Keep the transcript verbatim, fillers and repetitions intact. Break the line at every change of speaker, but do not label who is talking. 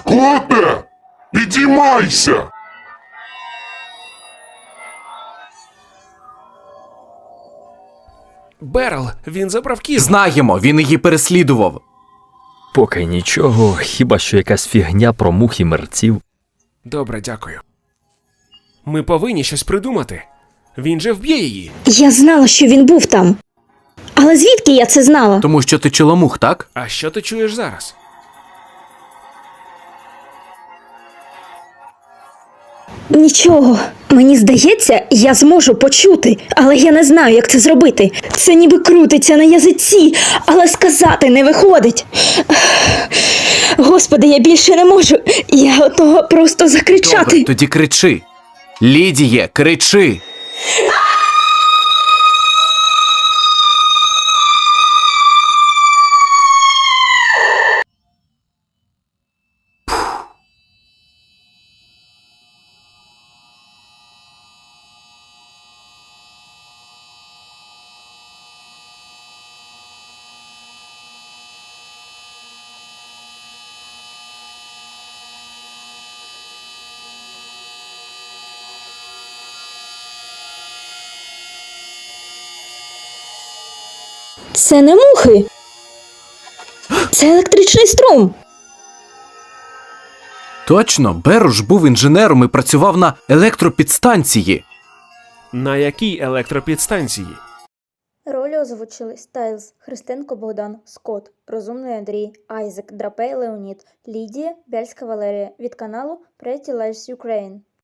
Скоте! Підіймайся!
Берл, він забрав кіз.
Знаємо, він її переслідував.
Поки нічого, хіба що якась фігня про мух і мерців.
Добре, дякую. Ми повинні щось придумати. Він же вб'є її.
Я знала, що він був там. Але звідки я це знала?
Тому що ти чоломух, так?
А що ти чуєш зараз?
Нічого. Мені здається, я зможу почути, але я не знаю, як це зробити. Це ніби крутиться на язиці, але сказати не виходить. Господи, я більше не можу. Я готова просто закричати.
Добре, тоді кричи. Лідіє, кричи.
Це не мухи. Це електричний струм.
Точно, Беруш був інженером і працював на електропідстанції.
На якій електропідстанції?
Ролі озвучили Стайлз, Христенко Богдан, Скотт, Розумний Андрій, Айзек, Драпей Леонід, Лідія, Бяльська Валерія від каналу Pretty Lies Ukraine.